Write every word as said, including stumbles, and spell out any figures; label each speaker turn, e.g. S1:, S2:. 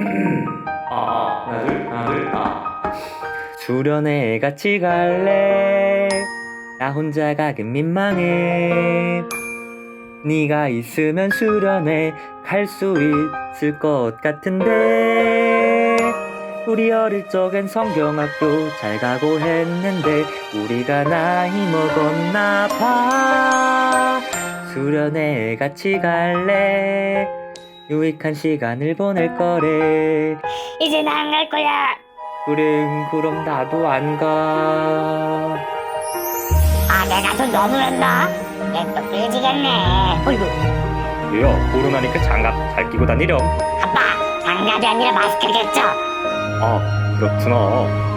S1: 아, 하나 둘 하나 둘아
S2: 수련회 같이 갈래? 나 혼자 가긴 민망해. 네가 있으면 수련회 갈 수 있을 것 같은데. 우리 어릴 적엔 성경학교 잘 가고 했는데 우리가 나이 먹었나 봐. 수련회 같이 갈래? 유익한 시간을 보낼 거래.
S3: 이제 나 안 갈 거야.
S2: 그래, 그럼 나도 안 가.
S3: 아, 내가 좀 너무 했나? 얘또 삐지겠네. 어이구,
S2: 왜요? 코로나니까 장갑 잘 끼고 다니렴.
S3: 아빠, 장갑이 아니라 마스크겠죠?
S2: 아, 그렇구나.